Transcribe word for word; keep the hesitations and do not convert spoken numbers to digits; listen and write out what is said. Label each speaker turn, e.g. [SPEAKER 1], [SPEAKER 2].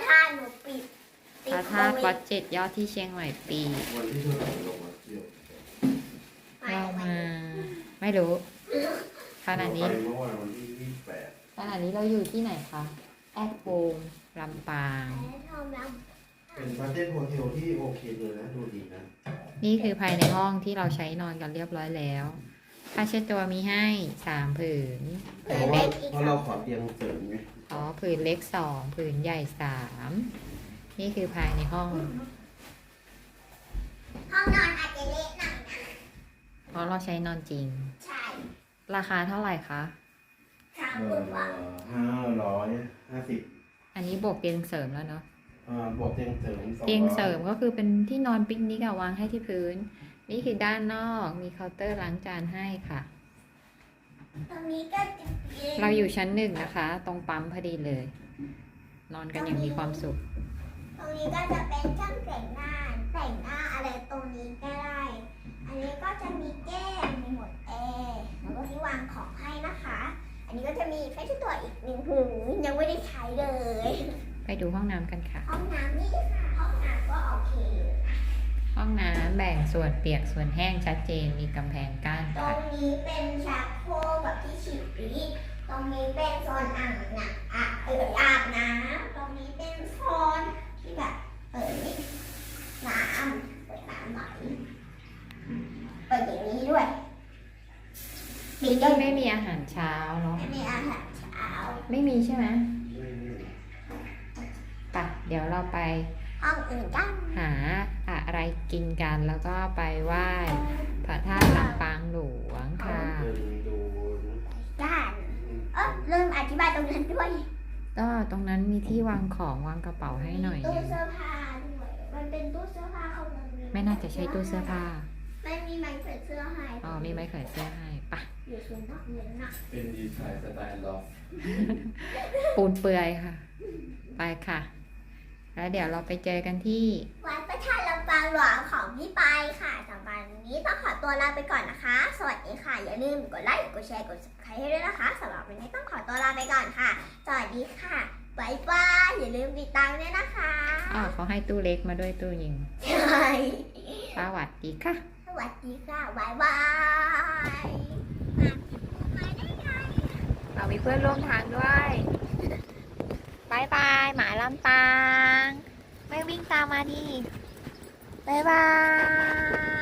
[SPEAKER 1] ธาตุหนูปิด
[SPEAKER 2] พระธาตุวัดเจ็ดยอดที่เชียงใหม่ปี
[SPEAKER 3] วันที่เท่าไหร่ลงมาเที่ยว
[SPEAKER 2] เรามาไม่รู้ขณะนี้
[SPEAKER 3] ไปเมื่อวันวันที่ยี่สิบแปด
[SPEAKER 2] ขณะนี้เราอยู่ที่ไหนคะแอดโฮมลำปาง
[SPEAKER 3] เป็นประเทศโฮเทลที่โอเคเลยนะดูดีนะ
[SPEAKER 2] นี่คือภายในห้องที่เราใช้นอนกันเรียบร้อยแล้วผ้าเช็ดตัวมีให้สามผืน
[SPEAKER 3] เพราะว่าเพราะเราขอเตียงเสริมไง
[SPEAKER 2] อ๋อผืนเล็กสองผืนใหญ่สามนี่คือภายในห้อง
[SPEAKER 1] ห้องนอนอาจจะเล็กหน่อยนะ
[SPEAKER 2] เพราะเราใช้นอนจริง
[SPEAKER 1] ใช่
[SPEAKER 2] ราคาเท่าไหร่คะ
[SPEAKER 1] สามหมื่นกว่า
[SPEAKER 3] ห้าร้อยห้าสิบ
[SPEAKER 2] อันนี้บวกเตียงเสริมแล้วเนาะ
[SPEAKER 3] อ่าบวกเตียงเสริม
[SPEAKER 2] เตียงเสริมก็คือเป็นที่นอนปิกนิกวางให้ที่พื้นนี่คือด้านนอกมีเคาน์เตอร์ล้างจานให้ค่ะ
[SPEAKER 1] ตรงนี้ก็จะ
[SPEAKER 2] เราอยู่ชั้นหนึ่งนะคะตรงปั๊มพอดีเลย นอนกันอย่างมีความสุข
[SPEAKER 1] ตรงนี้ก็จะเป็นช่างแต่งหน้าแต่งหน้าอะไรตรงนี้ก็ได้อันนี้ก็จะมีแก้มมีหมดแอร์แล้วก็ที่วางของให้นะคะอันนี้ก็จะมีแค่ตัวอีกหนึ่งหูยังไม่ได้ใช้เลย
[SPEAKER 2] ไปดูห้องน้ำกันค่ะ
[SPEAKER 1] ห้องน้ำนี่ค่ะห้องน้ำก็โอเค
[SPEAKER 2] ห้องน้ำแบ่งส่วนเปียกส่วนแห้งชัดเจนมีกำแพงกั้น
[SPEAKER 1] ตรงนี้เป็นชักโครกแบบที่ฉีดปีตรงนี้เป็นโซนอ่างน้ำอ่ะเอออาบน้ำตรงนี้เป็นโซนที่แบบเปิดน้ำเปิดน้ำไหลเปิดอย่างนี้ด้วย
[SPEAKER 2] ที่นี่ไม่มีอาหารเช้าเนาะ
[SPEAKER 1] ไม่มีอาหารเช้า
[SPEAKER 2] ไม่มีใช่ไหมปะเดี๋ยวเราไป
[SPEAKER 1] ห้องอื่นกัน
[SPEAKER 2] หาอะไรกินกันแล้วก็ไปไหว้พระธาตุลำปางหลวงค่ะ
[SPEAKER 1] ด้านเออเริ่มอธิบายตรงนั้นด้วย
[SPEAKER 2] ก็ตรงนั้นมีที่วางของวางกระเป๋าให้หน่อย
[SPEAKER 1] ตู้เสื้อผ้าด้วยมันเป็นตู้เสื้อผ้าเขาเลย
[SPEAKER 2] ไม่น่าจะใช่ตู้เสื้อผ้า
[SPEAKER 1] ไม่มีไม้แขวนเสื้อให้
[SPEAKER 2] อ๋อมีไม้แขวนเสื้อให้ปะ
[SPEAKER 1] อยู่ส่วนนอกเงินนะ
[SPEAKER 3] เป็นดีไซน์สไตล์ล็อก
[SPEAKER 2] ปูนเปื่อยค่ะไปค่ะแล้วเดี๋ยวเราไปเจอกันที่
[SPEAKER 1] วัดพระธาตุลำปางหลวงของพี่ปายค่ะสำหรับวันนี้ต้องขอตัวลาไปก่อนนะคะสวัสดีค่ะอย่าลืมกดไลค์กดแชร์กด ซับสไครบ์ ให้ด้วยนะคะสำหรับวันนี้ต้องขอตัวลาไปก่อนค่ะสวัสดีค่ะบ๊ายบายอย่าลืมติดตามด้วยนะคะ
[SPEAKER 2] อ๋อเขาให้ตู้เล็กมาด้วยตู้ยิง
[SPEAKER 1] ใช่
[SPEAKER 2] สวัสดีค่ะ
[SPEAKER 1] สวัสดีค่ะบ๊ายบาย
[SPEAKER 2] เรามีเพื่อนร่วมทางด้วยบายบายหมาลำปางไม่วิ่งตามมาดิบายบาย